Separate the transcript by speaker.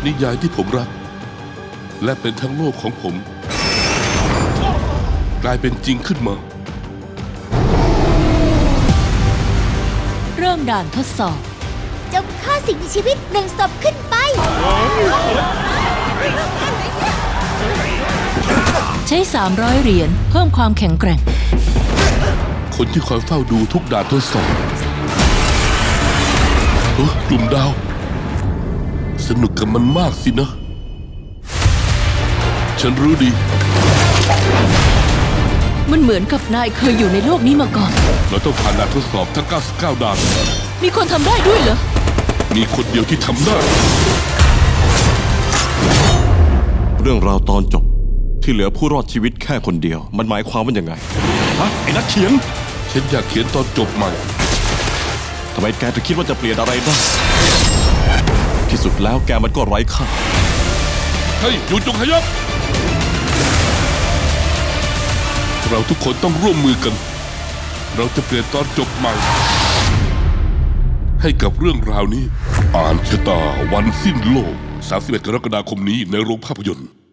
Speaker 1: นิยายที่ผมรักและเป็นทั้งโลกของผมกลายเป็นจริงขึ้นมา
Speaker 2: เริ่มด่านทดสอบ
Speaker 3: จงฆ่าสิ่งมีชีวิต1 ศพขึ้นไป
Speaker 2: ใช้300 เหรียญเพิ่มความแข็งแกร่ง
Speaker 1: คนที่คอยเฝ้าดูทุกด่านทดสอบกลุ่มดาวสนุกกับมันมากสินะฉันรู้ดี
Speaker 2: มันเหมือนกับนายเคยอยู่ในโลกนี้มาก่อน
Speaker 1: เราต้องผ่านด่านทดสอบทั้ง99ด่าน
Speaker 2: มีคนทำได้ด้วยเหรอ
Speaker 1: มีคนเดียวที่ทำได้
Speaker 4: เรื่องราวตอนจบที่เหลือผู้รอดชีวิตแค่คนเดียวมันหมายความว่ายังไงฮะไอ้นักเขียน
Speaker 1: ฉันอยากเขียนตอนจบใหม่
Speaker 4: ทำไมแกถึงคิดว่าจะเปลี่ยนอะไรได้ที่สุดแล้วแกมันก็ไร้ค่า
Speaker 1: เฮ้ยหยุดจงขยับเราทุกคนต้องร่วมมือกันเราจะเปลี่ยนตอนจบใหม่ให้กับเรื่องราวนี้อ่านชะตาวันสิ้นโลก31 กรกฎาคมนี้ในโรงภาพยนตร์